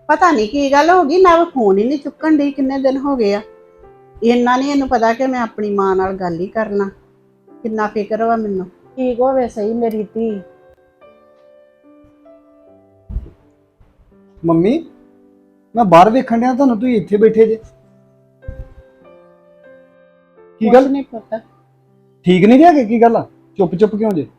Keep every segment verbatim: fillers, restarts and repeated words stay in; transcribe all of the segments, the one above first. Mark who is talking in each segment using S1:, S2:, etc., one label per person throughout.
S1: ਪਤਾ ਨਹੀਂ ਕੀ ਗੱਲ ਹੋ ਗਈ, ਨਾ ਫੋਨ ਹੀ ਨਹੀਂ ਚੁੱਕਣ ਦੀ। ਕਿੰਨੇ ਦਿਨ ਹੋ ਗਏ ਆ। ਇੰਨਾ ਨਹੀਂ ਇਹਨੂੰ ਪਤਾ ਕਿ ਮੈਂ ਆਪਣੀ ਮਾਂ ਨਾਲ ਗੱਲ ਹੀ ਕਰਨਾ। ਕਿੰਨਾ ਫਿਕਰ ਵਾ ਮੈਨੂੰ। ਠੀਕ ਹੋਵੇ ਸਹੀ ਮੇਰੀ ਧੀ।
S2: ਮੰਮੀ ਮੈਂ ਬਾਹਰ ਵੇਖਣ ਡਿਆ ਤੁਹਾਨੂੰ, ਤੁਸੀਂ ਇੱਥੇ ਬੈਠੇ ਜੇ। ਕੀ ਗੱਲ?
S1: ਨਹੀਂ ਪਤਾ।
S2: ਠੀਕ ਨਹੀਂ ਗਿਆ ਕਿ ਕੀ ਗੱਲ ਆ? ਚੁੱਪ ਚੁੱਪ ਕਿਉਂ ਜੇ?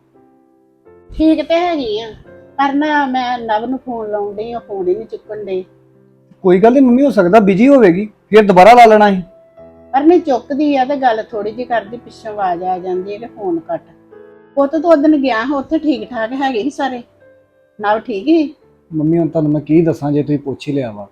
S1: ਠੀਕ ਤੇ ਹੈਗੀ ਆ, ਪਰ ਨਾ ਮੈਂ ਨਵ ਨੂੰ ਫੋਨ ਲਾਉਣ ਡਈ ਆ, ਫੋਨ ਹੀ ਨਹੀਂ ਚੁੱਕਣ ਡਈ।
S2: ਕੋਈ ਗੱਲ ਨਹੀਂ ਮੰਮੀ, ਹੋ ਸਕਦਾ ਬਿਜੀ ਹੋਵੇਗੀ, ਫਿਰ ਦੁਬਾਰਾ ਲਾ ਲੈਣਾ ਸੀ।
S1: ਪਰ ਨਹੀਂ ਚੁੱਕਦੀ ਆ ਤੇ ਗੱਲ ਥੋੜੀ ਜਿਹੀ ਕਰਦੀ, ਪਿੱਛੋਂ ਆਵਾਜ਼ ਆ ਜਾਂਦੀ ਹੈ ਕਿ ਫੋਨ ਕੱਟ। ਪੁੱਤ ਤੋਂ ਉਦਣ ਗਿਆ ਉੱਥੇ ਠੀਕ ਠਾਕ ਹੈਗੇ ਸੀ ਸਾਰੇ, ਨਵ ਠੀਕ ਹੀ।
S2: ਮੰਮੀ ਹੁਣ ਤੁਹਾਨੂੰ ਮੈਂ ਕੀ ਦੱਸਾਂ, ਜੇ ਤੁਸੀਂ ਪੁੱਛ ਹੀ ਲਿਆ ਵਾ।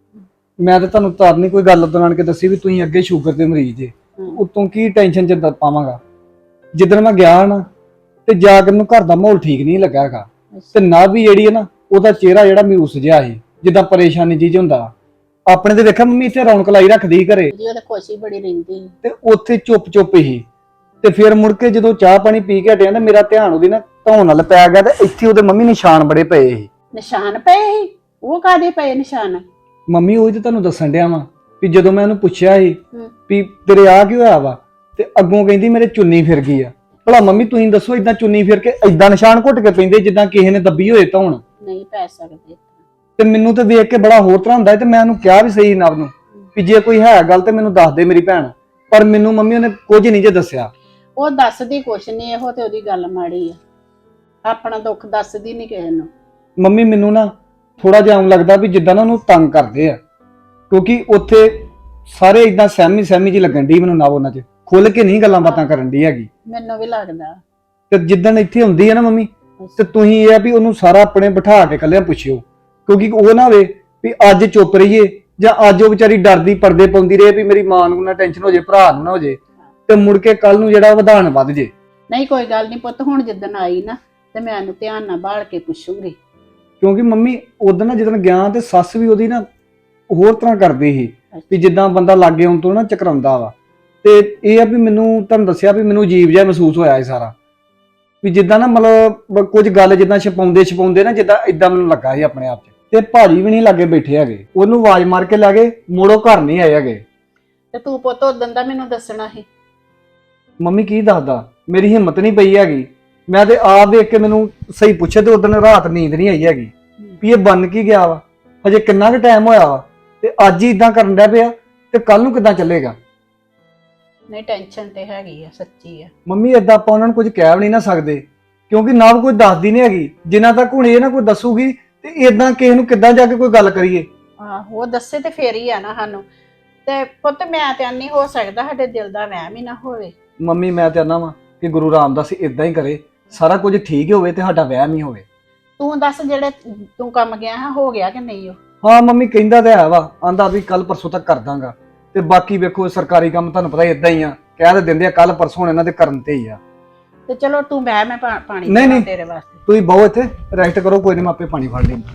S2: ਮੈਂ ਤਾਂ ਤੁਹਾਨੂੰ ਤਾਂ ਨਹੀਂ ਕੋਈ ਗੱਲ ਦੌਰਾਨ ਕੇ ਦੱਸੀ ਵੀ ਤੁਸੀਂ ਅੱਗੇ ਸ਼ੂਗਰ ਦੇ ਮਰੀਜ਼ ਜੇ। ਉਤੋਂ ਕੀ ਟੈਨਸ਼ਨ ਚ ਪਾਵਾਂਗਾ। ਜਿੱਦਣ ਮੈਂ ਗਿਆ ਨਾ ਤੇ ਜਾ ਕੇ ਮੈਨੂੰ ਘਰ ਦਾ ਮਾਹੌਲ ਠੀਕ ਨਹੀਂ ਲੱਗਾ ਹੈਗਾ। ਤੇ ਨਾ ਵੀ ਜਿਹੜੀ ਹੈ ਨਾ, ਉਹਦਾ ਚਿਹਰਾ ਜਿਹੜਾ ਮਯੂਸ ਜਿਹਾ ਸੀ, ਜਿੱਦਾਂ ਪਰੇਸ਼ਾਨੀ ਜੀ ਹੁੰਦਾ। ਆਪਣੇ ਤੇ ਵੇਖਿਆ ਮੰਮੀ ਇੱਥੇ ਰੌਣਕ ਲਾਈ ਰੱਖਦੀ ਘਰੇ,
S1: ਜੀ ਉਹਦੇ ਖੁਸ਼ੀ ਬੜੀ ਰਹਿੰਦੀ
S2: ਤੇ ਉੱਥੇ ਚੁੱਪ ਚੁੱਪ ਹੀ। ਤੇ ਫਿਰ ਮੁੜ ਕੇ ਜਦੋਂ ਚਾਹ ਪਾਣੀ ਪੀ ਕੇ ਹਟਿਆ ਨਾ, ਮੇਰਾ ਧਿਆਨ ਉਹਦੀ ਨਾ ਧੌਣ ਨਾਲ ਪੈ ਗਿਆ, ਤੇ ਇੱਥੇ ਉਹਦੇ ਮੰਮੀ ਨਿਸ਼ਾਨ ਬੜੇ ਪਏ ਸੀ।
S1: ਨਿਸ਼ਾਨ ਪਏ ਸੀ? ਉਹ ਕਾਦੇ ਪਏ ਨਿਸ਼ਾਨ?
S2: ਮੰਮੀ ਉਹੀ ਤੇ ਤੁਹਾਨੂੰ ਦੱਸਣ ਡਿਆ ਵਾਂ ਵੀ ਜਦੋਂ ਮੈਂ ਉਹਨੂੰ ਪੁੱਛਿਆ ਸੀ ਵੀ ਤੇਰੇ ਆ ਕੀ ਹੋਇਆ ਵਾ, ਤੇ ਅੱਗੋਂ ਕਹਿੰਦੀ ਮੇਰੇ ਚੁੰਨੀ ਫਿਰ ਗਈ ਆ। ਭਲਾ ਮੰਮੀ ਤੁਸੀਂ ਦੱਸੋ, ਇਦਾਂ ਚੁੰਨੀ ਫਿਰ ਕੇ ਇਦਾਂ ਨਿਸ਼ਾਨ ਘੁੱਟ ਕੇ ਪੈਂਦੇ ਜਿੱਦਾਂ ਕਿਸੇ ਨੇ ਦੱਬੀ ਹੋਏ ਧੌਣ?
S1: ਨਹੀਂ ਪੈ ਸਕਦੇ।
S2: ਤੇ ਮੈਨੂੰ ਤੇ ਵੇਖ ਕੇ ਬੜਾ ਹੋਰ ਤਰ੍ਹਾਂ ਹੁੰਦਾ, ਤੇ ਮੈਂ ਉਹਨੂੰ ਕਿਹਾ ਵੀ ਸਹੀ ਨਵ ਨੂੰ ਵੀ ਜੇ ਕੋਈ ਹੈ ਗੱਲ ਤੇ ਮੈਨੂੰ ਦੱਸ ਦੇ ਮੇਰੀ ਭੈਣ। ਪਰ ਮੈਨੂੰ ਮੰਮੀ ਉਹਨੇ ਕੁਝ ਨਹੀਂ ਜੇ ਦੱਸਿਆ।
S1: ਉਹ ਦੱਸਦੀ ਕੁਛ ਨਹੀਂ, ਇਹੋ ਤੇ ਉਹਦੀ ਗੱਲ ਮਾੜੀ ਆ। ਆਪਣਾ ਦੁੱਖ ਦੱਸਦੀ ਨਹੀਂ ਕਿਸੇ ਨੂੰ।
S2: ਮੰਮੀ ਮੈਨੂੰ ਨਾ ਥੋੜਾ ਜਿਹਾ ਆਉਂ ਲੱਗਦਾ ਵੀ ਜਿੱਦਾਂ ਨਾ ਉਹਨੂੰ ਤੰਗ ਕਰਦੇ ਆ, ਕਿਉਂਕਿ ਉੱਥੇ ਸਾਰੇ ਇਦਾਂ ਸਹਿਮੀ ਸਹਿਮੀ ਜੀ ਲੱਗਣ ਦੀ ਮੈਨੂੰ। ਨਾ ਉਹਨਾਂ 'ਚ ਖੁੱਲ ਕੇ ਨਹੀਂ ਗੱਲਾਂ ਬਾਤਾਂ ਕਰਨ ਦੀ ਹੈਗੀ।
S1: ਮੈਨੂੰ ਵੀ ਲੱਗਦਾ।
S2: ਤੇ ਜਿੱਦਣ ਇੱਥੇ ਹੁੰਦੀ ਹੈ ਨਾ ਮੰਮੀ, ਤੇ ਤੁਸੀਂ ਇਹ ਆ ਵੀ ਉਹਨੂੰ ਸਾਰਾ ਆਪਣੇ ਬਿਠਾ ਕੇ ਇਕੱਲਿਆਂ ਪੁੱਛਿਓ, ਕਿਉਂਕਿ ਉਹ ਨਾ ਹੋਵੇ ਵੀ ਅੱਜ ਚੁੱਪ ਰਹੀਏ ਜਾਂ ਅੱਜ ਉਹ ਵਿਚਾਰੀ ਡਰਦੀ ਪਰਦੇ ਪਾਉਂਦੀ ਰਹੇ ਵੀ ਮੇਰੀ ਮਾਂ ਨੂੰ ਨਾ ਟੈਨਸ਼ਨ ਹੋ ਜੇ, ਭਰਾ ਨੂੰ ਨਾ ਹੋ ਜੇ, ਤੇ ਮੁੜ ਕੇ ਕੱਲ ਨੂੰ ਜਿਹੜਾ ਵਧਾਣ ਵੱਧ ਜੇ।
S1: ਨਹੀਂ ਕੋਈ ਗੱਲ ਨਹੀਂ ਪੁੱਤ, ਹੁਣ ਜਿੱਦਣ ਆਈ ਨਾ ਤੇ ਮੈਂ ਉਹਨੂੰ ਧਿਆਨ ਨਾਲ ਬਾਲ ਕੇ ਪੁੱਛੂੰਗੀ।
S2: ਕਿਉਂਕਿ ਮੰਮੀ ਉਦੋਂ ਨਾ ਜਦੋਂ ਗਿਆ ਤੇ ਸੱਸ ਵੀ ਉਹਦੀ ਨਾ ਹੋਰ ਤਰ੍ਹਾਂ ਕਰਦੀ ਸੀ ਵੀ ਜਿੱਦਾਂ ਬੰਦਾ ਲਾਗੇ ਆਉਣ ਤੋਂ ਨਾ ਚਕਰਾਉਂਦਾ ਵਾ। ਤੇ ਇਹ ਆ ਵੀ ਮੈਨੂੰ ਤੁਹਾਨੂੰ ਦੱਸਿਆ ਵੀ ਮੈਨੂੰ ਅਜੀਬ ਜਿਹਾ ਮਹਿਸੂਸ ਹੋਇਆ ਇਹ ਸਾਰਾ, ਵੀ ਜਿੱਦਾਂ ਨਾ ਮਤਲਬ ਕੁਝ ਗੱਲ ਜਿੱਦਾਂ ਛਪਾਉਂਦੇ ਛਪਾਉਂਦੇ ਨਾ ਜਿੱਦਾਂ ਇਦਾਂ ਮੈਨੂੰ ਲੱਗਾ ਸੀ ਆਪਣੇ ਆਪ 'ਚ। ਤੇ ਭਾਜੀ ਵੀ ਨਹੀਂ ਲਾਗੇ ਬੈਠੇ ਹੈਗੇ, ਉਹਨੂੰ ਆਵਾਜ਼ ਮਾਰ ਕੇ ਲੈ ਗਏ, ਮੋੜੋ ਘਰ ਨਹੀਂ ਆਏ ਹੈਗੇ।
S1: ਤੇ ਤੂੰ ਪੁੱਤ ਉਦੋਂ ਦਾ ਮੈਨੂੰ ਦੱਸਣਾ ਸੀ।
S2: ਮੰਮੀ ਕੀ ਦੱਸਦਾ, ਮੇਰੀ ਹਿੰਮਤ ਨਹੀਂ ਪਈ ਹੈਗੀ। ਮੈਂ ਤੇ ਆਪ ਵੇਖ ਕੇ ਮੈਨੂੰ ਸਹੀ ਪੁੱਛੇ ਤੇ ਉਦੋਂ ਰਾਤ ਨੀਂਦ ਨਹੀਂ ਆਈ ਹੈਗੀ ਵੀ ਇਹ ਬਣ ਕੀ ਗਿਆ ਵਾ, ਹਜੇ ਕਿੰਨਾ ਕੁ ਟਾਈਮ ਹੋਇਆ ਵਾ, ਤੇ ਅੱਜ ਹੀ ਇਦਾਂ ਕਰਨ ਡਿਆ ਪਿਆ, ਤੇ ਕੱਲ ਨੂੰ ਕਿੱਦਾਂ ਚੱਲੇਗਾ।
S1: ਨਹੀਂ ਟੈਨਸ਼ਨ ਤੇ ਹੈਗੀ ਆ, ਸੱਚੀ ਆ।
S2: ਮੰਮੀ ਏਦਾਂ ਆਪਾਂ ਉਹਨਾਂ ਨੂੰ ਕੁਝ ਕਹਿ ਵੀ ਨਹੀਂ ਨਾ ਸਕਦੇ, ਕਿਉਂਕਿ ਨਾ ਕੋਈ ਦੱਸਦੀ ਨਹੀਂ ਹੈਗੀ। ਜਿੰਨਾ ਤੱਕ ਹੁਣ ਇਹ ਨਾ ਕੋਈ ਦੱਸੂਗੀ ਤੇ ਏਦਾਂ ਕਿਸੇ ਨੂੰ ਕਿੱਦਾਂ ਜਾ ਕੇ ਕੋਈ ਗੱਲ ਕਰੀਏ।
S1: ਆਹੋ ਉਹ ਦੱਸੇ ਤੇ ਫੇਰ ਹੀ ਆ ਨਾ ਸਾਨੂੰ। ਤੇ ਪੁੱਤ ਮੈਂ ਤੇ ਨਹੀਂ ਹੋ ਸਕਦਾ ਸਾਡੇ ਦਿਲ ਦਾ ਵਹਿਮ ਹੀ ਨਾ ਹੋਵੇ।
S2: ਮੰਮੀ ਮੈਂ ਤੇ ਆਨਾ ਵਾਂ ਕਿ ਗੁਰੂ ਰਾਮਦਾਸ ਇਦਾਂ ਹੀ ਕਰੇ, ਸਾਰਾ ਕੁਝ ਠੀਕ ਹੋਵੇ ਤੇ ਸਾਡਾ ਵਹਿਮ ਹੀ ਹੋਵੇ।
S1: ਤੂੰ ਦੱਸ ਜਿਹੜੇ ਤੂੰ ਕੰਮ ਗਿਆ ਹੈ ਹੋ ਗਿਆ ਕਿ ਨਹੀਂ? ਉਹ
S2: ਹਾਂ ਮੰਮੀ ਕਹਿੰਦਾ ਤੇ ਹੈ ਵਾ, ਆਂਦਾ ਵੀ ਕੱਲ ਪਰਸੋਂ ਤੱਕ ਕਰ ਦਾਂਗਾ। ਤੇ ਬਾਕੀ ਵੇਖੋ ਸਰਕਾਰੀ ਕੰਮ ਤੁਹਾਨੂੰ ਪਤਾ ਇਦਾਂ ਹੀ ਆ, ਕਹਿ ਤੇ ਦਿੰਦੇ ਆ ਕੱਲ ਪਰਸੋਂ ਇਹਨਾਂ ਦੇ ਕਰਨ ਤੇ ਹੀ ਆ।
S1: ਤੇ ਚਲੋ ਤੂੰ ਬਹਿ, ਮੈਂ ਪਾਣੀ
S2: ਨਹੀਂ ਨਹੀਂ
S1: ਤੇਰੇ ਵਾਸਤੇ। ਤੁਸੀਂ
S2: ਬਹੁ ਇੱਥੇ ਰੈਸਟ ਕਰੋ, ਕੋਈ ਨਹੀਂ ਮੈਂ ਆਪੇ ਪਾਣੀ ਫੜ ਲੈਂਦਾ।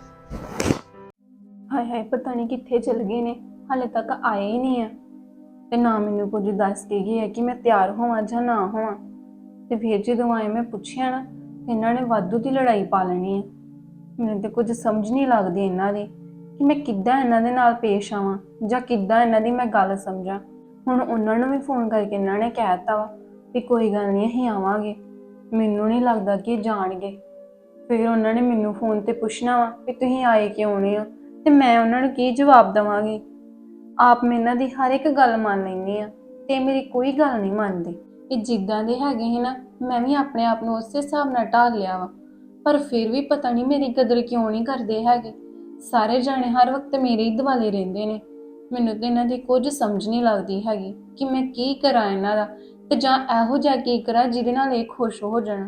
S3: ਹਾਏ ਹਾਏ ਪਤਾ ਨਹੀਂ ਕਿੱਥੇ ਚਲ ਗਏ ਨੇ, ਹਾਲੇ ਤੱਕ ਆਏ ਹੀ ਨਹੀਂ ਆ। ਤੇ ਨਾ ਮੈਨੂੰ ਕੁਝ ਦੱਸ ਕੇ ਗਏ ਹੈ ਕਿ ਮੈਂ ਤਿਆਰ ਹੋਵਾਂ ਜਾਂ ਨਾ ਹੋਵਾਂ। ਤੇ ਫਿਰ ਜਦੋਂ ਆਏ ਮੈਂ ਪੁੱਛਿਆ ਨਾ, ਇਹਨਾਂ ਨੇ ਵਾਧੂ ਦੀ ਲੜਾਈ ਪਾ ਲੈਣੀ ਹੈ। ਮੈਨੂੰ ਤੇ ਕੁਝ ਸਮਝ ਨਹੀਂ ਲੱਗਦੀ ਇਹਨਾਂ ਦੀ ਕਿ ਮੈਂ ਕਿੱਦਾਂ ਇਹਨਾਂ ਦੇ ਨਾਲ ਪੇਸ਼ ਆਵਾਂ ਜਾਂ ਕਿੱਦਾਂ ਇਹਨਾਂ ਦੀ ਮੈਂ ਗੱਲ ਸਮਝਾਂ। ਹੁਣ ਉਹਨਾਂ ਨੂੰ ਵੀ ਫੋਨ ਕਰਕੇ ਇਹਨਾਂ ਨੇ ਕਹਿ ਦਿੱਤਾ ਵਾ ਵੀ ਕੋਈ ਗੱਲ ਨਹੀਂ ਅਸੀਂ ਆਵਾਂਗੇ। ਮੈਨੂੰ ਨਹੀਂ ਲੱਗਦਾ ਕਿ ਇਹ ਜਾਣਗੇ। ਫਿਰ ਉਹਨਾਂ ਨੇ ਮੈਨੂੰ ਫੋਨ ਤੇ ਪੁੱਛਣਾ ਵਾ ਵੀ ਤੁਸੀਂ ਆਏ ਕਿਉਂ ਨਹੀਂ ਹੋ, ਤੇ ਮੈਂ ਉਹਨਾਂ ਨੂੰ ਕੀ ਜਵਾਬ ਦੇਵਾਂਗੀ। ਆਪ ਮੈਂ ਇਹਨਾਂ ਦੀ ਹਰ ਇੱਕ ਗੱਲ ਮੰਨ ਲੈਂਦੀ ਆ ਤੇ ਮੇਰੀ ਕੋਈ ਗੱਲ ਨਹੀਂ ਮੰਨਦੇ। ਇਹ ਜਿੱਦਾਂ ਦੇ ਹੈਗੇ ਸੀ ਨਾ, ਮੈਂ ਵੀ ਆਪਣੇ ਆਪ ਨੂੰ ਉਸੇ ਹਿਸਾਬ ਨਾਲ ਢਾਲ ਲਿਆ ਵਾ। ਪਰ ਫਿਰ ਵੀ ਪਤਾ ਨਹੀਂ ਮੇਰੀ ਕਦਰ ਕਿਉਂ ਨਹੀਂ ਕਰਦੇ ਹੈਗੇ। ਸਾਰੇ ਜਾਣੇ ਹਰ ਵਕਤ ਮੇਰੇ ਹੀ ਦੁਆਲੇ ਰਹਿੰਦੇ ਨੇ। ਮੈਨੂੰ ਤੇ ਇਹਨਾਂ ਦੀ ਕੁਝ ਸਮਝ ਨਹੀਂ ਲੱਗਦੀ ਹੈਗੀ ਕਿ ਮੈਂ ਕੀ ਕਰਾਂ ਇਹਨਾਂ ਦਾ, ਤੇ ਜਾਂ ਇਹੋ ਜਿਹਾ ਕੀ ਕਰਾਂ ਜਿਹਦੇ ਨਾਲ ਇਹ ਖੁਸ਼ ਹੋ ਜਾਣ।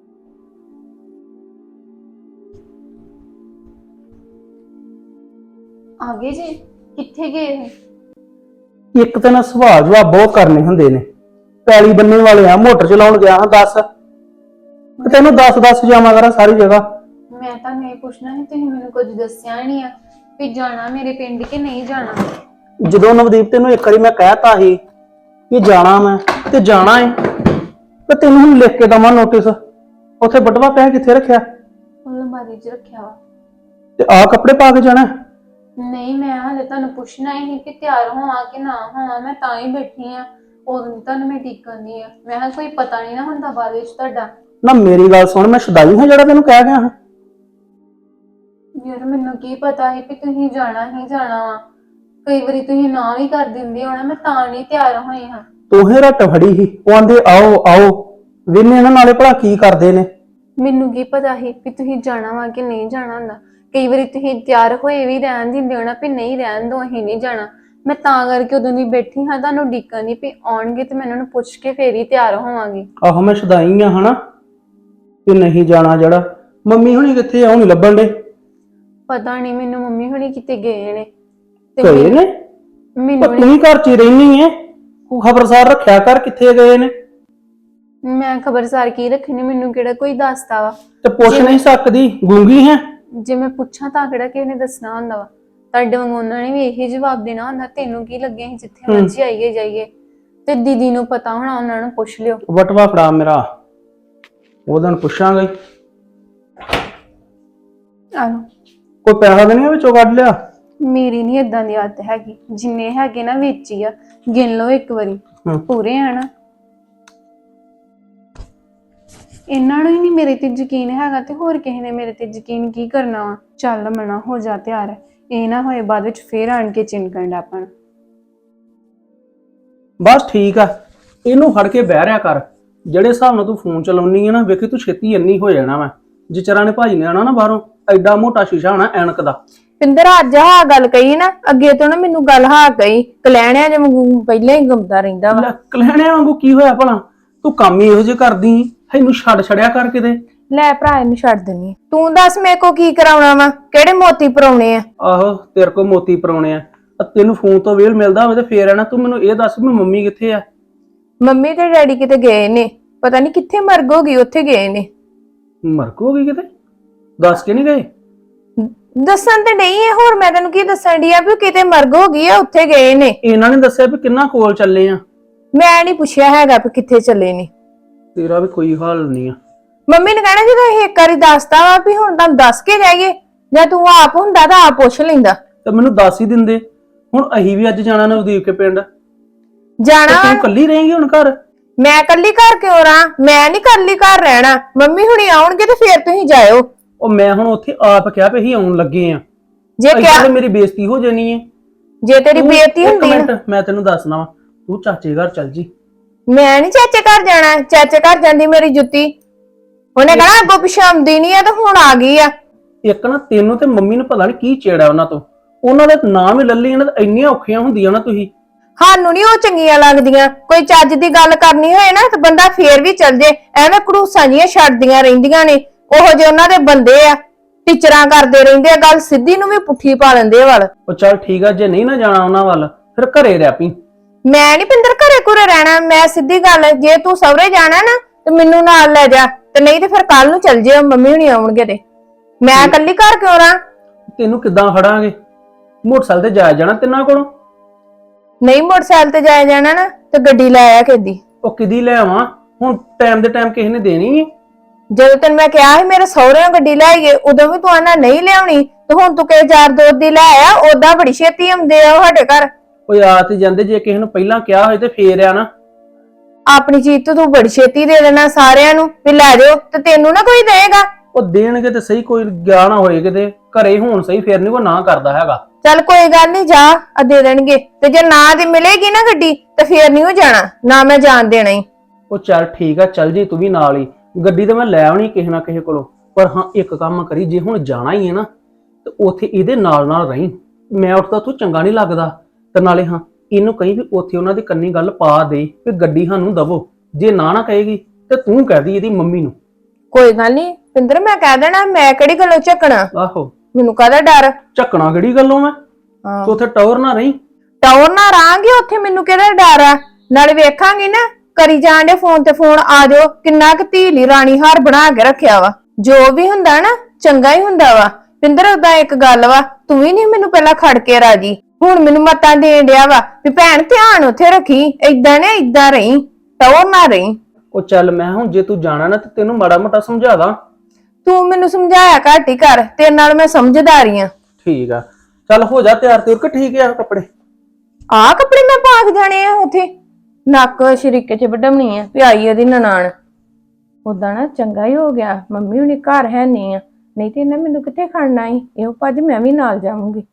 S3: ਆਗੇ ਜੀ ਕਿੱਥੇ ਗਏ ਹੋ?
S4: ਇੱਕ ਤਾਂ ਨਾ ਸੁਭਾਅ ਜਵਾਬ ਬਹੁਤ ਕਰਨੇ ਹੁੰਦੇ ਨੇ। ਪੈਲੀ ਬੰਨੇ ਵਾਲੇ ਆ, ਮੋਟਰ ਚਲਾਉਣ ਗਿਆ ਹਾਂ ਦੱਸ, ਤੇ ਤੈਨੂੰ ਦੱਸ ਦੱਸ ਜਾਵਾਂ ਕਰਾਂ ਸਾਰੀ ਜਗ੍ਹਾ।
S3: ਮੈਂ ਤੁਹਾਨੂੰ ਇਹ ਪੁੱਛਣਾ ਸੀ, ਤੁਸੀਂ ਮੈਨੂੰ ਕੁਝ ਦੱਸਿਆ ਨਹੀਂ ਆ ਵੀ ਜਾਣਾ ਮੇਰੇ ਪਿੰਡ ਕਿ ਨਹੀਂ ਜਾਣਾ।
S4: ਜਦੋਂ ਨਵਦੀਪ ਤੈਨੂੰ ਇੱਕ ਵਾਰੀ ਮੈਂ ਕਹਿਤਾ ਸੀ ਕਿ ਜਾਣਾ ਮੈਂ ਤੇ ਜਾਣਾ ਏ, ਤੇ ਤੈਨੂੰ ਹੁਣ ਲਿਖ ਕੇ ਦਵਾਂ ਨੋਟਿਸ, ਉੱਥੇ ਬਟਵਾ ਪਿਆ ਕਿੱਥੇ ਰੱਖਿਆ?
S3: ਅਲਮਾਰੀ 'ਚ ਰੱਖਿਆ ਵਾ।
S4: ਤੇ ਆਹ ਕੱਪੜੇ ਪਾ ਕੇ ਜਾਣਾ?
S3: ਨਹੀਂ ਮੈਂ ਹਾਲੇ ਤੁਹਾਨੂੰ ਪੁੱਛਣਾ ਹੀ ਕਿ ਤਿਆਰ ਹੋਵਾਂ ਕਿ ਨਾ ਹੋਵਾਂ, ਮੈਂ ਤਾਂ ਹੀ ਬੈਠੀ ਆ। ਉਦੋਂ ਤੁਹਾਨੂੰ ਮੈਂ ਟਿਕਣ ਦੀ ਆ, ਮੈਂ ਕਿਹਾ ਕੋਈ ਪਤਾ ਨਹੀਂ ਨਾ ਹੁੰਦਾ ਬਾਅਦ ਵਿੱਚ ਤੁਹਾਡਾ।
S4: ਨਾ ਮੇਰੀ ਗੱਲ ਸੁਣ, ਮੈਂ ਸ਼ੁਦਾਈ ਹਾਂ ਜਿਹੜਾ ਤੈਨੂੰ ਕਹਿ ਗਿਆ ਹਾਂ?
S3: ਯਾਰ ਮੈਨੂੰ ਕੀ ਪਤਾ ਸੀ ਕਿ ਤੁਸੀਂ ਜਾਣਾ ਹੀ ਜਾਣਾ ਵਾ, ਕਈ ਵਾਰੀ ਤੁਸੀਂ ਨਾ ਵੀ ਕਰ ਦਿੰਦੇ ਹੋਣਾ, ਮੈਂ ਤਾਂ ਨਹੀਂ ਤਿਆਰ ਹੋਈ ਹਾਂ।
S4: ਤੂੰ ਹੀ ਰੱਟ ਫੜੀ ਸੀ, ਉਹ ਆਂਦੇ ਆਓ ਆਓ, ਵੇਨੇ ਇਹਨਾਂ ਨਾਲੇ ਭਲਾ ਕੀ ਕਰਦੇ ਨੇ।
S3: ਮੈਨੂੰ ਕੀ ਪਤਾ ਸੀ ਕਿ ਤੁਸੀਂ ਜਾਣਾ ਵਾ ਕਿ ਨਹੀਂ ਜਾਣਾ ਹੁੰਦਾ। ਕਈ ਵਾਰੀ ਤੁਸੀਂ ਤਿਆਰ ਹੋਏ ਵੀ ਰਹਿਣ ਦਿੰਦੇ ਹੋਣਾ ਵੀ ਨਹੀਂ ਰਹਿਣ ਦੋ, ਅਸੀਂ ਨਹੀਂ ਜਾਣਾ। ਮੈਂ ਤਾਂ ਕਰਕੇ ਉਦੋਂ ਦੀ ਬੈਠੀ ਹਾਂ, ਤੁਹਾਨੂੰ ਡੀਕਣ ਦੀ ਵੀ ਆਉਣਗੇ ਤੇ ਮੈਂ ਉਹਨਾਂ ਨੂੰ ਪੁੱਛ ਕੇ ਫੇਰ ਹੀ ਤਿਆਰ ਹੋਵਾਂਗੀ।
S4: ਆਹੋ ਮੈਂ ਸ਼ੁਦਾਈ ਆ ਹਨਾ, ਕਿ ਨਹੀਂ ਜਾਣਾ ਜਿਹੜਾ। ਮੰਮੀ ਹੁਣੀ ਕਿੱਥੇ ਆ? ਉਹ ਨਹੀਂ ਲੱਭਣ ਦੇ।
S3: ਪਤਾ ਨਹੀਂ ਮੈਨੂੰ, ਮੰਮੀ ਹੁਣੀ ਕਿਤੇ ਗਏ ਨੇ ਤੇ
S4: ਗਏ ਨੇ?
S3: ਮੈਨੂੰ
S4: ਉਹ ਤੂੰ ਹੀ ਘਰ 'ਚ ਹੀ ਰਹਿਨੀ ਐ, ਤੂੰ ਖਬਰਸਾਰ ਰੱਖਿਆ ਕਰ ਕਿੱਥੇ ਗਏ ਨੇ।
S3: ਮੈਂ ਖਬਰਸਾਰ ਕੀ ਰੱਖਣੀ, ਮੈਨੂੰ ਕਿਹੜਾ ਕੋਈ ਦੱਸਦਾ ਵਾ।
S4: ਤੇ ਪੁੱਛ ਨਹੀਂ ਸਕਦੀ, ਗੂੰਗੀ ਹੈ?
S3: ਜੇ ਮੈਂ ਪੁੱਛਾਂ ਤਾਂ ਕਿਹੜਾ ਕਿਸੇ ਨੇ ਦੱਸਣਾ ਹੁੰਦਾ ਵਾ। ਤੁਹਾਡੇ ਵਾਂਗੂ ਉਹਨਾਂ ਨੇ ਵੀ ਇਹੀ ਜਵਾਬ ਦੇਣਾ ਹੁੰਦਾ, ਤੈਨੂੰ ਕੀ ਲੱਗਿਆ ਅਸੀਂ ਜਿੱਥੇ ਮਰਜ਼ੀ ਆਈਏ ਜਾਈਏ। ਤੇ ਦੀਦੀ ਨੂੰ ਪਤਾ ਹੋਣਾ, ਉਹਨਾਂ ਨੂੰ ਪੁੱਛ ਲਿਓ।
S4: ਵਟਵਾ ਫੜਾ ਮੇਰਾ, ਉਹਦਾਂ ਨੂੰ ਪੁੱਛਾਂਗਾ ਹੀ।
S3: ਆਹੋ
S4: ਕੋਈ ਪੈਸਾ ਤਾਂ ਨਹੀਂ ਵਿੱਚੋਂ ਕੱਢ ਲਿਆ?
S3: ਮੇਰੀ ਨਹੀਂ ਇਦਾਂ ਦੀ ਆਦਤ ਹੈਗੀ, ਜਿੰਨੇ ਹੈਗੇ ਨਾ ਵਿੱਚ ਹੀ ਆ, ਗਿਣ ਲਓ ਇੱਕ ਵਾਰੀ।
S4: ਹਮ।
S3: ਪੂਰੇ ਆ ਨਾ। ਇਹਨਾਂ ਨੂੰ ਹੀ ਨਹੀਂ ਮੇਰੇ ਤੇ ਯਕੀਨ ਹੈਗਾ ਤੇ ਹੋਰ ਕਿਸੇ ਨੇ ਮੇਰੇ ਤੇ ਯਕੀਨ ਕੀ ਕਰਨਾ ਵਾ। ਚੱਲ ਮਨਾ ਹੋ ਜਾ ਤਿਆਰ, ਇਹ ਨਾ ਹੋਏ ਬਾਅਦ ਵਿੱਚ ਫੇਰ ਆਣ ਕੇ ਚਿੰਕਣ ਦਾ ਆਪਾਂ।
S4: ਬਸ ਠੀਕ ਆ, ਇਹਨੂੰ ਫੜ ਕੇ ਬਹਿ ਰਿਆ ਕਰ। ਜਿਹੜੇ ਹਿਸਾਬ ਨਾਲ ਤੂੰ ਫੋਨ ਚਲਾਉਣੀ ਆ ਨਾ, ਵੇਖੀ ਤੂੰ ਛੇਤੀ ਇੰਨੀ ਹੋ ਜਾਣਾ। ਮੈਂ ਜਿਚਰਾਂ ਨੇ ਭਾਜੀ ਨੇ ਆਣਾ ਨਾ ਬਾਹਰੋਂ, ਐਡਾ ਮੋਟਾ ਸ਼ੀਸ਼ਾ ਹੋਣਾ ਐਨਕ ਦਾ।
S3: ਪਿੰਦਰ ਅੱਜ ਹਾਂ ਗੱਲ ਕਹੀ ਨਾ, ਅੱਗੇ ਤੋਂ ਨਾ ਮੈਨੂੰ ਗੱਲ ਹਾਂ ਕਹੀ। ਕਲੈਣਿਆ ਜੇ ਮੈਨੂੰ ਪਹਿਲਾਂ ਹੀ ਗੰਦਾ ਰਹਿੰਦਾ ਵਾ।
S4: ਕਲਹਿਣਿਆਂ ਵਾਂਗੂ ਕੀ ਹੋਇਆ ਭਲਾ? ਤੂੰ ਕੰਮ ਹੀ ਇਹੋ ਜਿਹੇ ਕਰਦੀ, ਇਹਨੂੰ ਛੱਡ ਛੜਿਆ ਕਰ ਕਿਤੇ।
S3: ਲੈ ਭਰਾ ਇਹਨੂੰ ਛੱਡ ਦਿੰਨੀ। ਤੂੰ ਦੱਸ ਮੇਰੇ ਕੋ ਕੀ ਕਰਾਉਣਾ ਵਾ, ਕਿਹੜੇ ਮੋਤੀ ਪਰਾਉਣੇ ਆ?
S4: ਆਹੋ ਤੇਰੇ ਕੋ ਮੋਤੀ ਪਰਾਉਣੇ ਆ। ਤੈਨੂੰ ਫੋਨ ਤੋਂ ਵੇਲ ਮਿਲਦਾ ਹੋਵੇ ਤੇ ਫੇਰ ਆ ਨਾ। ਤੂੰ ਮੈਨੂੰ ਇਹ ਦੱਸ ਵੀ ਮੰਮੀ ਕਿੱਥੇ ਆ?
S3: ਮੰਮੀ ਤੇ ਡੈਡੀ ਕਿਤੇ ਗਏ ਨੇ, ਪਤਾ ਨਹੀਂ ਕਿੱਥੇ ਮਰਗ ਹੋ ਗਈ, ਉੱਥੇ ਗਏ ਨੇ।
S4: ਮਰਗ ਹੋ ਗਈ ਕਿਤੇ? ਦੱਸ ਕੇ ਨਹੀਂ ਗਏ?
S3: ਦੱਸਣ ਤੇ ਨਹੀਂ ਹੈ, ਹੋਰ ਮੈਂ ਤੈਨੂੰ ਕੀ ਦੱਸਣ ਦੀ ਆ ਵੀ ਕਿਤੇ ਮਰਗ ਹੋ ਗਈ ਆ, ਉੱਥੇ ਗਏ ਨੇ।
S4: ਇਹਨਾਂ ਨੇ ਦੱਸਿਆ ਵੀ ਕਿੰਨਾ ਕੋਲ ਚੱਲੇ ਆ?
S3: ਮੈਂ ਨਹੀਂ ਪੁੱਛਿਆ ਹੈਗਾ ਵੀ ਕਿੱਥੇ ਚੱਲੇ ਨੇ।
S4: ਤੇਰਾ ਵੀ ਕੋਈ ਹਾਲ ਨਹੀਂ ਆ।
S3: ਮੰਮੀ ਨੇ ਕਹਿਣਾ ਜਦੋਂ ਇਹ ਇੱਕ ਵਾਰੀ ਦੱਸਦਾ ਵਾ ਵੀ ਹੁਣ ਤੁਹਾਨੂੰ ਦੱਸ ਕੇ ਜਾਈਏ, ਜਾਂ ਤੂੰ ਆਪ ਹੁੰਦਾ ਤਾਂ ਆਪ ਪੁੱਛ ਲੈਂਦਾ।
S4: ਤੇ ਮੈਨੂੰ ਦੱਸ ਹੀ ਦਿੰਦੇ। ਹੁਣ ਅਸੀਂ ਵੀ ਅੱਜ ਜਾਣਾ ਨਵਦੀਪ ਕੇ ਪਿੰਡ।
S3: ਜਾਣਾ
S4: ਤੂੰ ਇਕੱਲੀ ਰਹੇਂਗੀ ਹੁਣ ਘਰ?
S3: ਮੈਂ ਕੱਲੀ ਘਰ ਕਿਉਂ ਰਾਂ? ਮੈਂ ਨਹੀਂ ਕੱਲੀ ਘਰ ਰਹਿਣਾ, ਮੰਮੀ ਹੁਣੀ ਆਉਣਗੇ ਤੇ ਫੇਰ ਤੁਸੀਂ ਜਾਇਓ।
S4: ਉਹ ਮੈਂ ਹੁਣ ਉੱਥੇ ਆਪ ਕਿਹਾ ਵੀ ਅਸੀਂ ਆਉਣ ਲੱਗੇ ਆ।
S3: ਜੇ ਕਿਹਾ
S4: ਮੇਰੀ ਬੇਇੱਜ਼ਤੀ ਹੋ ਜਾਣੀ ਹੈ।
S3: ਜੇ ਤੇਰੀ ਬੇਇੱਜ਼ਤੀ ਹੁੰਦੀ ਨਾ,
S4: ਇੱਕ ਮਿੰਟ ਮੈਂ ਤੈਨੂੰ ਦੱਸਣਾ ਵਾ, ਤੂੰ ਚਾਚੇ ਘਰ ਚੱਲ ਜੀ।
S3: ਮੈਂ ਨਹੀਂ ਚਾਚੇ ਘਰ ਜਾਣਾ। ਚਾਚੇ ਘਰ ਜਾਂਦੀ ਮੇਰੀ ਜੁੱਤੀ, ਉਹਨੇ ਕਹਣਾ ਅੱਗੋਂ ਪਿਛਾਂ ਆਉਂਦੀ ਨਹੀਂ ਆ ਤੇ ਹੁਣ ਆ ਗਈ ਆ।
S4: ਇੱਕ ਨਾ ਤੈਨੂੰ ਤੇ ਮੰਮੀ ਨੂੰ ਪਤਾ ਨਹੀਂ ਕੀ ਚੇੜਾ ਉਹਨਾਂ ਤੋਂ। ਉਹਨਾਂ ਦਾ ਨਾਮ ਹੀ ਲੱਲੀ ਇਹਨਾਂ ਤੇ ਇੰਨੀਆਂ ਔਖੀਆਂ ਹੁੰਦੀਆਂ ਨਾ ਤੁਸੀਂ।
S3: ਸਾਨੂੰ ਨਹੀਂ ਉਹ ਚੰਗੀਆਂ ਲੱਗਦੀਆਂ। ਕੋਈ ਚੱਜ ਦੀ ਗੱਲ ਕਰਨੀ ਹੋਏ ਨਾ ਤੇ ਬੰਦਾ ਫੇਰ ਵੀ ਚੱਲ ਜੇ, ਐਵੇਂ ਘੜੂਸਾਂ ਜੀਆਂ ਛੱਡਦੀਆਂ ਰਹਿੰਦੀਆਂ ਨੇ। ਉਹੋ ਜਿਹੇ ਉਹਨਾਂ ਦੇ ਬੰਦੇ ਆ, ਟੀਚਰਾਂ ਕਰਦੇ ਰਹਿੰਦੇ ਆ, ਗੱਲ ਸਿੱਧੀ ਨੂੰ ਵੀ ਪੁੱਠੀ ਪਾ ਲੈਂਦੇ ਵੱਲ।
S4: ਉਹ ਚੱਲ ਠੀਕ ਆ, ਜੇ ਨਹੀਂ ਨਾ ਜਾਣਾ ਉਹਨਾਂ ਵੱਲ ਫਿਰ ਘਰੇ ਰਹਿ ਪਈ।
S3: ਮੈਂ ਨਹੀਂ ਪਿੰਦਰ ਘਰੇ ਘੁਰੇ ਰਹਿਣਾ। ਮੈਂ ਸਿੱਧੀ ਗੱਲ, ਜੇ ਤੂੰ ਸਹੁਰੇ ਜਾਣਾ ਨਾ ਤੇ ਮੈਨੂੰ ਨਾਲ ਲੈ ਜਾ, ਤੇ ਨਹੀਂ ਤੇ ਫਿਰ ਕੱਲ ਨੂੰ ਚੱਲ ਜਿਓ, ਮੰਮੀ ਹੁਣੀ ਆਉਣਗੇ ਤੇ। ਮੈਂ ਇਕੱਲੀ ਘਰ ਕਿਉਂ ਰਾਂ?
S4: ਤੈਨੂੰ ਕਿੱਦਾਂ ਫੜਾਂਗੇ? ਮੋਟਰਸਾਈਕਲ ਤੇ ਜਾਇਆ ਜਾਣਾ ਤਿੰਨਾਂ ਕੋਲੋਂ?
S3: ਨਹੀਂ ਮੋਟਰਸਾਈਕਲ ਤੇ ਜਾਇਆ ਜਾਣਾ ਨਾ ਤੇ ਗੱਡੀ ਲੈ ਆ ਕਿਦੀ।
S4: ਉਹ ਕਿਦੀ ਲੈ ਆਵਾਂ ਹੁਣ? ਟਾਈਮ ਦੇ ਟਾਈਮ ਕਿਸੇ ਨੇ ਦੇਣੀ ਹੈ।
S3: ਜਦੋਂ ਤੈਨੂੰ ਮੈਂ ਕਿਹਾ ਸੀ ਮੇਰੇ ਸਹੁਰਿਆਂ ਗੱਡੀ ਲੈ ਆਈਏ, ਉਦੋਂ ਵੀ ਤੂੰ ਆਣਾ ਨਹੀਂ ਲਿਆਉਣੀ, ਤੇ ਹੁਣ ਤੂੰ ਕਿਹ ਯਾਰ ਦੋਸਤ ਦੀ ਲੈ ਆ। ਓਦਾਂ ਬੜੀ ਛੇਤੀ ਆਉਂਦੇ ਆ ਉਹ ਸਾਡੇ ਘਰ।
S4: ਉਹ ਆ ਤੇ ਜਾਂਦੇ, ਜੇ ਕਿਸੇ ਨੂੰ ਪਹਿਲਾਂ ਕਿਹਾ ਹੋਏ ਤੇ ਫੇਰ ਆ ਨਾ।
S3: ਆਪਣੀ ਚੀਜ਼ ਤੋਂ ਤੂੰ ਬੜੀ ਛੇਤੀ ਦੇ ਦੇਣਾ ਸਾਰਿਆਂ ਨੂੰ ਵੀ ਲੈ ਜਾਓ, ਤੇ ਤੈਨੂੰ ਨਾ ਕੋਈ ਦੇਗਾ।
S4: ਉਹ ਦੇਣਗੇ ਤੇ ਸਹੀ, ਕੋਈ ਗਿਆ ਨਾ ਹੋਏ ਕਿਤੇ ਘਰੇ ਹੋਣ ਸਹੀ, ਫੇਰ ਨਹੀਂ ਕੋਈ ਨਾ ਕਰਦਾ ਹੈਗਾ।
S3: ਚੱਲ ਕੋਈ ਗੱਲ ਨਹੀਂ, ਜਾ ਆ ਦੇ ਦੇਣਗੇ। ਤੇ ਜੇ ਨਾ ਦੀ ਮਿਲੇਗੀ ਨਾ ਗੱਡੀ ਤੇ ਫੇਰ ਨਹੀਂ ਉਹ ਜਾਣਾ, ਨਾ ਮੈਂ ਜਾਣ ਦੇਣਾ ਹੀ।
S4: ਉਹ ਚੱਲ ਠੀਕ ਆ, ਚੱਲ ਜੀ ਤੂੰ ਵੀ ਨਾਲ ਹੀ। ਗੱਡੀ ਤੇ ਮੈਂ ਲੈ ਆਉਣੀ ਕਿਸੇ ਨਾ ਕਿਸੇ ਕੋਲੋਂ, ਪਰ ਹਾਂ ਇੱਕ ਕੰਮ ਕਰੀ, ਜੇ ਹੁਣ ਜਾਣਾ ਹੀ ਹੈ ਨਾ ਤੇ ਉੱਥੇ ਇਹਦੇ ਨਾਲ ਨਾਲ ਰਹੀਂ। ਮੈਂ ਉੱਠਦਾ ਤੂੰ ਚੰਗਾ ਨਹੀਂ ਲੱਗਦਾ। ਤੇ ਨਾਲੇ ਹਾਂ ਇਹਨੂੰ ਕਹੀਂ ਵੀ ਉੱਥੇ ਉਹਨਾਂ ਦੀ ਕੰਨੀ ਗੱਲ ਪਾ ਦੇ ਵੀ ਗੱਡੀ ਸਾਨੂੰ ਦਵੋ। ਜੇ ਨਾ ਨਾ ਕਹੇਗੀ ਤੇ ਤੂੰ ਕਹਿ ਦੀ ਇਹਦੀ ਮੰਮੀ ਨੂੰ।
S3: ਕੋਈ ਗੱਲ ਨਹੀਂ ਪਿੰਦਰ, ਮੈਂ ਕਹਿ ਦੇਣਾ। ਮੈਂ ਕਿਹੜੀ ਗੱਲੋਂ ਝੱਕਣਾ?
S4: ਆਹੋ
S3: ਮੈਨੂੰ ਕਾਹਦਾ ਡਰ?
S4: ਝੱਕਣਾ ਕਿਹੜੀ ਗੱਲੋਂ? ਮੈਂ
S3: ਹਾਂ
S4: ਤੂੰ ਉੱਥੇ ਟੌਰ ਨਾ ਰਹੀਂ।
S3: ਟੌਰ ਨਾ ਰਾਂਗੇ ਉੱਥੇ, ਮੈਨੂੰ ਕਿਹੜਾ ਡਰ ਆ? ਨਾਲੇ ਵੇਖਾਂਗੀ ਨਾ, ਕਰੀ ਜਾਣ ਦੇ ਫੋਨ ਤੇ ਫੋਨ, ਆ ਜਾਓ। ਕਿੰਨਾ ਕੁ ਧੀਲੀ ਰਾਣੀ ਹਾਰ ਬਣਾ ਕੇ ਰੱਖਿਆ ਵਾ। ਜੋ ਵੀ ਹੁੰਦਾ ਨਾ ਚੰਗਾ ਹੀ ਹੁੰਦਾ ਵਾ। ਪਿੰਦਰ ਉਹਦਾ ਇੱਕ ਗੱਲ ਵਾ, ਤੂੰ ਵੀ ਨਹੀਂ ਮੈਨੂੰ ਪਹਿਲਾਂ ਖੜ ਕੇ ਰਾਜੀ, ਹੁਣ ਮੈਨੂੰ ਮਤਾਂ ਦੇਣ ਡਿਆ ਵਾ ਵੀ ਭੈਣ ਧਿਆਨ ਉੱਥੇ ਰੱਖੀ, ਏਦਾਂ ਨੇ ਏਦਾਂ ਰਹੀਂ, ਟੌਰ ਨਾ ਰਹੀਂ।
S4: ਉਹ ਚੱਲ ਮੈਂ ਹੁਣ ਜੇ ਤੂੰ ਜਾਣਾ ਨਾ ਤੇ ਤੈਨੂੰ ਮਾੜਾ ਮੋਟਾ ਸਮਝਾ ਦਾਂ।
S3: ਤੂੰ ਮੈਨੂੰ ਸਮਝਾਇਆ ਘੱਟ ਹੀ ਕਰ, ਤੇਰੇ ਨਾਲ ਮੈਂ ਸਮਝਦਾਰੀ ਆ।
S4: ਠੀਕ ਆ, ਚੱਲ ਹੋ ਜਾ ਤਿਆਰ ਤਿਉਰ ਕੇ ਠੀਕ ਆ ਕੱਪੜੇ।
S5: ਆ ਕੱਪੜੇ ਮੈਂ ਪਾ ਕੇ ਜਾਣੇ ਆ ਉੱਥੇ? ਨੱਕ ਸ਼ਰੀਕੇ ਚ ਵਡਮਣੀ ਆ ਵੀ ਆਈ ਉਹਦੀ ਨਨਾਣ। ਉਦਾਂ ਨਾ ਚੰਗਾ ਹੀ ਹੋ ਗਿਆ ਮੰਮੀ ਹੁਣੀ ਘਰ ਹੈ ਨਹੀਂ ਆ, ਨਹੀਂ ਤੇ ਇਹਨਾਂ ਮੈਨੂੰ ਕਿੱਥੇ ਖੜਨਾ ਸੀ। ਇਹੋ ਭੱਜ ਮੈਂ ਵੀ ਨਾਲ ਜਾਵਾਂਗੀ।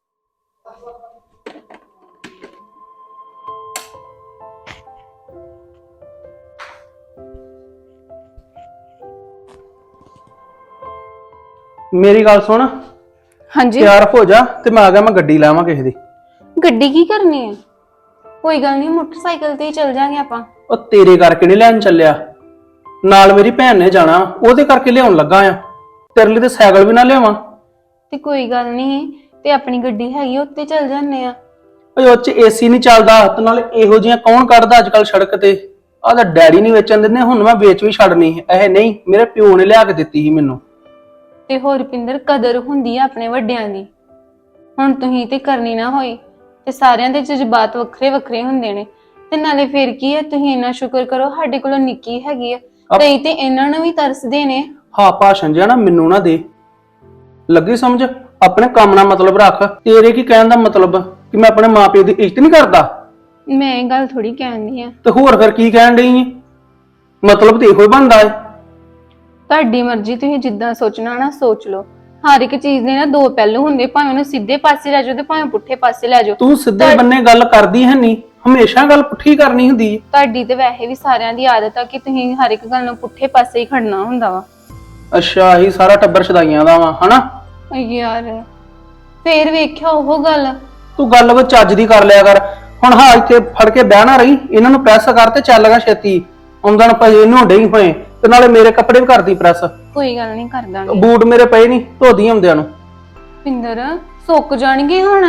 S4: ਮੇਰੀ ਗੱਲ ਸੁਣ,
S3: ਹਾਂਜੀ
S4: ਤਿਆਰ ਹੋ ਜਾ ਤੇ ਮੈਂ ਆ ਗਿਆ, ਮੈਂ ਗੱਡੀ ਲਾਵਾਂ ਕਿਸੇ ਦੀ।
S3: ਗੱਡੀ ਕੀ ਕਰਨੀ ਹੈ? ਕੋਈ ਗੱਲ ਨਹੀਂ, ਮੋਟਰਸਾਈਕਲ ਤੇ ਹੀ ਚੱਲ ਜਾਾਂਗੇ ਆਪਾਂ।
S4: ਉਹ ਤੇਰੇ ਕਰਕੇ ਨਹੀਂ ਲੈਣ ਚੱਲਿਆ, ਨਾਲ ਮੇਰੀ ਭੈਣ ਨੇ ਜਾਣਾ, ਉਹਦੇ ਕਰਕੇ ਲਿਆਉਣ ਲੱਗਾ ਆ। ਤੇਰੇ ਲਈ ਤੇ ਸਾਈਕਲ ਵੀ ਨਾ ਲਿਆਵਾਂ।
S3: ਤੇ ਕੋਈ ਗੱਲ ਨਹੀਂ, ਤੇ ਆਪਣੀ ਗੱਡੀ ਹੈਗੀ ਉੱਤੇ ਚੱਲ ਜਾਂਦੇ ਆ।
S4: ਓਏ ਉਹ ਚ ਏਸੀ ਨਹੀਂ ਚੱਲਦਾ, ਤੇ ਨਾਲੇ ਇਹੋ ਜਿਹੀਆਂ ਕੌਣ ਕੱਢਦਾ ਅੱਜ ਕੱਲ ਸੜਕ ਤੇ। ਆਹ ਤਾਂ ਡੈਡੀ ਨਹੀਂ ਵੇਚਣ ਦਿੰਦੇ, ਹੁਣ ਮੈਂ ਵੇਚ ਵੀ ਛੱਡਣੀ। ਇਹ ਨਹੀਂ, ਮੇਰੇ ਪਿਓ ਨੇ ਲਿਆ ਕੇ ਦਿੱਤੀ ਸੀ ਮੈਨੂੰ।
S3: ਤੇ ਹੋਰ ਪਿੰਦਰ, ਕਦਰ ਹੁੰਦੀ ਆ ਆਪਣੇ ਵੱਡਿਆਂ ਦੀ। ਹੁਣ ਤੁਸੀਂ ਤੇ ਕਰਨੀ ਨਾ ਹੋਈ, ਤੇ ਸਾਰਿਆਂ ਦੇ ਜਜ਼ਬਾਤ ਵੱਖਰੇ ਵੱਖਰੇ ਹੁੰਦੇ ਨੇ। ਤੇ ਨਾਲੇ ਫਿਰ ਕੀ ਹੈ, ਤੁਸੀਂ ਇੰਨਾ ਸ਼ੁਕਰ ਕਰੋ ਸਾਡੇ ਕੋਲੋਂ ਨਿੱਕੀ ਹੈਗੀ ਆ। ਕਈ ਤੇ ਇਹਨਾਂ ਨੂੰ ਵੀ ਤਰਸਦੇ ਨੇ।
S4: ਹਾਂ ਭਾਸ਼ਣ ਜਿਹਾ ਨਾ ਮੈਨੂੰ ਨਾ ਦੇ, ਲੱਗੀ ਸਮਝ। ਆਪਣੇ ਕੰਮ ਨਾਲ ਮਤਲਬ ਰੱਖ। ਤੇਰੇ ਕੀ ਕਹਿਣ ਦਾ ਮਤਲਬ ਕਿ ਮੈਂ ਆਪਣੇ ਮਾਪਿਓ ਦੀ ਇੱਜ਼ਤ ਨਹੀਂ ਕਰਦਾ?
S3: ਮੈਂ ਇਹ ਗੱਲ ਥੋੜੀ ਕਹਿੰਦੀ ਆ।
S4: ਤੇ ਹੋਰ ਫਿਰ ਕੀ ਕਹਿਣ ਡਈ ਏ? ਮਤਲਬ ਤੇ ਇਹੋ ਹੀ ਬਣਦਾ ਏ।
S3: ਤੁਹਾਡੀ ਮਰਜ਼ੀ, ਤੁਸੀਂ ਜਿੱਦਾਂ ਸੋਚਣਾ ਨਾ ਸੋਚ ਲਓ। ਹਰ ਇੱਕ ਚੀਜ਼ ਦੇ ਨਾ ਦੋ ਪਹਿਲੂ ਹੁੰਦੇ, ਭਾਵੇਂ ਉਹਨੂੰ ਸਿੱਧੇ ਪਾਸੇ ਲੈ ਜਾਓ ਤੇ ਭਾਵੇਂ ਪੁੱਠੇ ਪਾਸੇ ਲੈ ਜਾਓ।
S4: ਤੂੰ ਸਿੱਧੇ ਬੰਨੇ ਗੱਲ ਕਰਦੀ ਹੈ ਨਹੀਂ, ਹਮੇਸ਼ਾ ਗੱਲ ਪੁੱਠੀ ਕਰਨੀ ਹੁੰਦੀ ਏ।
S3: ਤੁਹਾਡੀ ਤੇ ਵੈਸੇ ਵੀ ਸਾਰਿਆਂ ਦੀ ਆਦਤ ਆ ਕਿ ਤੁਸੀਂ ਹਰ ਇੱਕ ਗੱਲ ਨੂੰ ਪੁੱਠੇ ਪਾਸੇ ਹੀ ਖੜਨਾ ਹੁੰਦਾ ਵਾ।
S4: ਅੱਛਾ, ਹੀ ਸਾਰਾ ਟੱਬਰ ਛਦਾਈਆਂ ਦਾ ਵਾ ਹਨਾ?
S3: ਯਾਰ ਫੇਰ ਵੇਖਿਆ ਉਹ ਗੱਲ।
S4: ਤੂੰ ਗੱਲ ਵਿੱਚ ਚੱਜ ਦੀ ਕਰ ਲਿਆ ਕਰ। ਹੁਣ ਹਾਂ ਇੱਥੇ ਫੜ ਕੇ ਬਹਿ ਨਾ ਰਹੀ, ਇਹਨਾਂ ਨੂੰ ਪ੍ਰੈਸ ਕਰ ਤੇ ਚੱਲ ਗਾ ਛੇਤੀ। ਆਉਂਦਣ ਪਏ ਇਹਨੂੰ ਡਈ ਹੋਏ, ਤੇ ਨਾਲੇ ਮੇਰੇ ਕੱਪੜੇ ਵੀ ਕਰਦੀ ਪ੍ਰੈਸ।
S3: ਕੋਈ ਗੱਲ ਨਹੀਂ, ਕਰ ਦਾਂਗੇ।
S4: ਬੂਟ ਮੇਰੇ ਪਏ ਨਹੀਂ, ਧੋਦੀ ਆਉਂਦਿਆਂ ਨੂੰ।
S3: ਪਿੰਦਰ ਸੁੱਕ ਜਾਣਗੇ ਹੁਣ।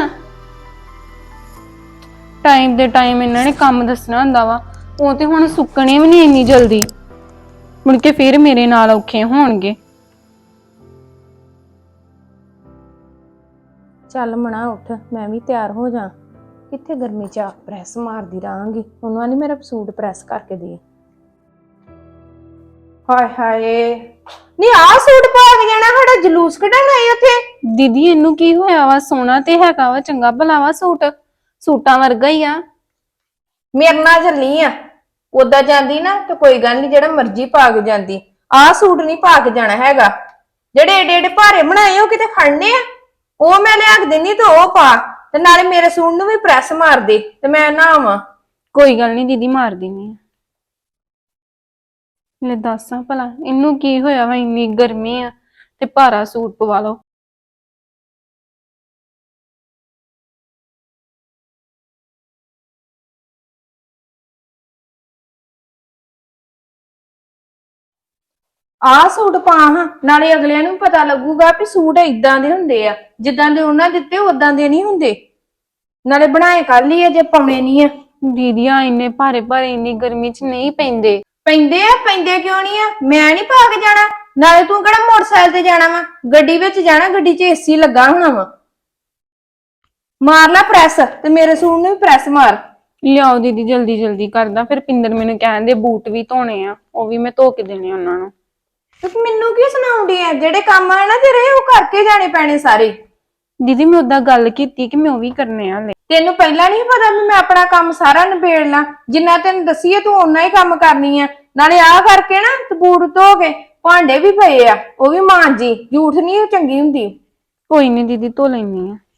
S3: ਟਾਈਮ ਦੇ ਟਾਈਮ ਇਹਨਾਂ ਨੇ ਕੰਮ ਦੱਸਣਾ ਹੁੰਦਾ ਵਾ, ਉਹ ਤੇ ਹੁਣ ਸੁੱਕਣੇ ਵੀ ਨਹੀਂ ਇੰਨੀ ਜਲਦੀ। ਮੁੜ ਕੇ ਫੇਰ ਮੇਰੇ ਨਾਲ ਔਖੇ ਹੋਣਗੇ।
S5: ਚੱਲ ਮਣਾ ਉੱਠ, ਮੈਂ ਵੀ ਤਿਆਰ ਹੋ ਜਾ। ਕਿੱਥੇ ਗਰਮੀ ਚ ਆਪ ਪ੍ਰੈਸ ਮਾਰਦੀ ਰਹਾਂਗੀ। ਉਹਨਾਂ ਨੇ ਮੇਰਾ ਸੂਟ ਪ੍ਰੈਸ ਕਰਕੇ ਦੇ। ਹਾਏ ਹਾਏ, ਨਹੀਂ ਆ ਸੂਟ ਪਾ ਕੇ ਜਾਣਾ, ਸਾਡਾ ਜਲੂਸ ਕੱਢਣ ਆਏ ਉੱਥੇ।
S3: ਦੀਦੀ ਇਹਨੂੰ ਕੀ ਹੋਇਆ ਵਾ? ਸੋਹਣਾ ਤੇ ਹੈਗਾ ਵਾ, ਚੰਗਾ ਭਲਾ ਵਾ ਸੂਟ, ਸੂਟਾਂ ਵਰਗਾ ਹੀ ਆ।
S5: ਮੇਰੇ ਨਾਲ ਚੱਲੀ ਆ, ਉਦਾਂ ਜਾਂਦੀ ਨਾ ਤੇ ਕੋਈ ਗੱਲ ਨਹੀਂ, ਜਿਹੜਾ ਮਰਜ਼ੀ ਪਾ ਕੇ ਜਾਂਦੀ। ਆਹ ਸੂਟ ਨਹੀਂ ਪਾ ਕੇ ਜਾਣਾ ਹੈਗਾ। ਜਿਹੜੇ ਏਡੇ ਏਡੇ ਭਾਰੇ ਬਣਾਏ ਉਹ ਕਿਤੇ ਖੜਨੇ ਆ, ਉਹ ਮੈਂ ਲਿਆ ਕੇ ਦਿੰਦੀ ਤੇ ਉਹ ਪਾ। ਤੇ ਨਾਲੇ ਮੇਰੇ ਸੂਟ ਨੂੰ ਵੀ ਪ੍ਰੈਸ ਮਾਰ ਦੇ ਤੇ ਮੈਂ ਨਾ ਆਵਾਂ।
S3: ਕੋਈ ਗੱਲ ਨਹੀਂ ਦੀਦੀ, ਮਾਰ ਦਿੰਨੀ ਆ। ਲੈ ਦੱਸਾਂ ਭਲਾ ਇਹਨੂੰ ਕੀ ਹੋਇਆ ਵਾ? ਇੰਨੀ ਗਰਮੀ ਆ ਤੇ ਭਾਰਾ ਸੂਟ ਪਵਾ ਲਓ।
S5: ਆਹ ਸੂਟ ਪਾ ਹਾਂ, ਨਾਲੇ ਅਗਲਿਆਂ ਨੂੰ ਪਤਾ ਲੱਗੂਗਾ ਵੀ ਸੂਟ ਇਦਾਂ ਦੇ ਹੁੰਦੇ ਆ, ਜਿੱਦਾਂ ਦੇ ਉਹਨਾਂ ਦਿੱਤੇ ਉਦਾਂ ਦੇ ਨਹੀਂ ਹੁੰਦੇ। ਨਾਲੇ ਬਣਾਏ ਕਰ ਲਈ ਆ ਜੇ ਪਾਉਣੇ ਨਹੀਂ ਆ।
S3: ਦੀਦੀ ਆ ਇੰਨੇ ਭਾਰੇ ਭਾਰੇ ਇੰਨੀ ਗਰਮੀ 'ਚ ਨਹੀਂ ਪੈਂਦੇ।
S5: ਪੈਂਦੇ ਆ, ਪੈਂਦੇ ਕਿਉਂ ਨਹੀਂ ਆ? ਮੈਂ ਨਹੀਂ ਪਾ ਕੇ ਜਾਣਾ। ਨਾਲੇ ਤੂੰ ਕਿਹੜਾ ਮੋਟਰਸਾਈਕਲ ਤੇ ਜਾਣਾ ਵਾ, ਗੱਡੀ ਵਿੱਚ ਜਾਣਾ, ਗੱਡੀ 'ਚ ਏਸੀ ਲੱਗਾ ਹੋਣਾ ਵਾ। ਮਾਰ ਲੈ ਪ੍ਰੈਸ ਤੇ ਮੇਰੇ ਸੂਟ ਨੂੰ ਵੀ ਪ੍ਰੈਸ ਮਾਰ।
S3: ਲਿਆਓ ਦੀਦੀ, ਜਲਦੀ ਜਲਦੀ ਕਰਦਾ। ਫਿਰ ਪਿੰਦਰ ਮੈਨੂੰ ਕਹਿੰਦੇ ਬੂਟ ਵੀ ਧੋਣੇ ਆ, ਉਹ ਵੀ ਮੈਂ ਧੋ ਕੇ ਦੇਣੇ ਉਹਨਾਂ ਨੂੰ।
S5: ਤੁਸੀਂ ਮੈਨੂੰ ਕੀ ਸੁਣਾਉਂਦੀ ਆ? ਜਿਹੜੇ ਕੰਮ ਆ ਨਾ ਤੇਰੇ ਉਹ ਕਰਕੇ ਜਾਣੇ ਪੈਣੇ ਸਾਰੇ।
S3: ਦੀਦੀ ਮੈਂ ਉਦਾਂ ਗੱਲ ਕੀਤੀ ਕਿ ਮੈਂ ਉਹ ਵੀ ਕਰਨੇ ਆ। ਲੈ
S5: ਤੈਨੂੰ ਪਹਿਲਾਂ ਨਹੀਂ ਪਤਾ ਵੀ ਮੈਂ ਆਪਣਾ ਕੰਮ ਸਾਰਾ ਨਿਬੇੜ ਲਾਂ? ਜਿੰਨਾ ਤੈਨੂੰ ਦੱਸੀਏ ਤੂੰ ਓਨਾ ਹੀ ਕੰਮ ਕਰਨੀ ਆ। ਨਾਲੇ ਆਹ ਕਰਕੇ ਨਾ ਤੇ ਬੂਟ ਧੋ ਕੇ, ਭਾਂਡੇ ਵੀ ਪਏ ਆ ਉਹ ਵੀ ਮਾਂਜੀ। ਝੂਠ ਨਹੀਂ ਉਹ ਚੰਗੀ ਹੁੰਦੀ।
S3: ਕੋਈ ਨਹੀਂ ਦੀਦੀ, ਧੋ ਲੈਣੀ ਆ।